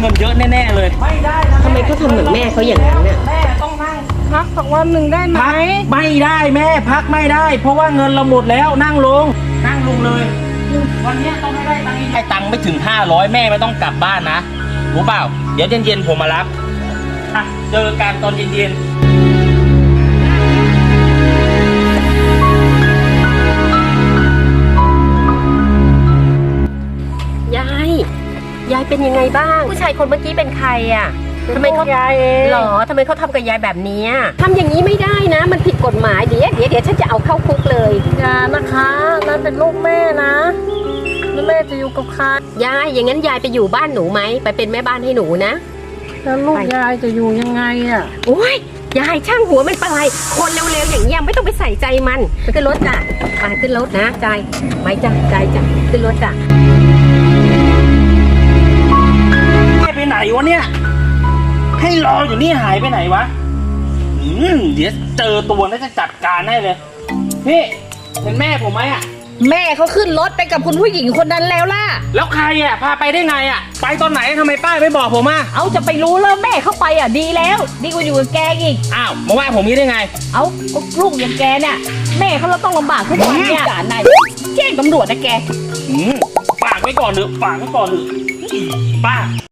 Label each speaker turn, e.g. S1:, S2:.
S1: เงินเยอะแน่ๆเลยไม่ได้
S2: ทำไมเขาทำเหมือนแม่เขาอย่างนั้นเนี่ย
S1: แม่ต้องนั่ง
S3: พักสักวันหนึ่งได้ไหม
S1: ไม่ได้แม่พักไม่ได้ เพราะว่าเงินเราหมดแล้วนั่งลงเลยวันนี้ต้องให้ได้ตังค์ให้ตังค์ไม่ถึง500แม่ไม่ต้องกลับบ้านนะรู้เปล่าเดี๋ยวเย็นๆผมมารับอ่ะเจอกันตอนเย็น
S2: ยายเป็นยังไงบ้างผู้ชายคนเมื่อกี้เป็นใครอ่ะทำไมเขา
S3: ยายเอง
S2: หรอทำไมเขาทำกับยายแบบนี้ทำอย่างนี้ไม่ได้นะมันผิดกฎหมายเดี๋ยวฉันจะเอาเข้าคุกเลย
S3: อย่านะคะนั่นเป็นลูกแม่นะแล้วแม่จะอยู่กับใคร
S2: ยายอย่างนั้นยายไปอยู่บ้านหนูไหมไปเป็นแม่บ้านให้หนูนะ
S3: แล้วลูกยายจะอยู่ยังไงอ่ะ
S2: โอ้ยยายช่างหัวมันไปคนเร็วๆอย่างนี้ไม่ต้องไปใส่ใจมันไปขึ้นรถจ้ะมาขึ้นรถนะใจไม่จ้ะใจจ้ะขึ้นรถจ้ะ
S1: ไปไหนวะเนี่ยให้รออยู่นี่หายไปไหนวะเดี๋ยวเจอตัวน่าจะจัดการให้เลยพี่เห็นแม่ผมไหมอ่ะ
S3: แม่เขาขึ้นรถไปกับคุณผู้หญิงคนนั้นแล้วล่ะ
S1: แล้วใครอ่ะพาไปได้ไงอ่ะไปตอนไหนทำไมป้าไม่บอกผมอ่ะ
S3: เอาจะไปรู้แล้วแม่เขาไปอ่ะดีแล้วดีกว่าอยู่กับแกอีก
S1: อ้าวมาว่าผมนี้ได้ไง
S3: เอาลูกอย่างแกเนี่ยแม่เขาเราต้องลำบากทุกวันเนี่ยจ่านายแจ้งตำรวจนะแก
S1: ฝากไว้ก่อนเถอะป้า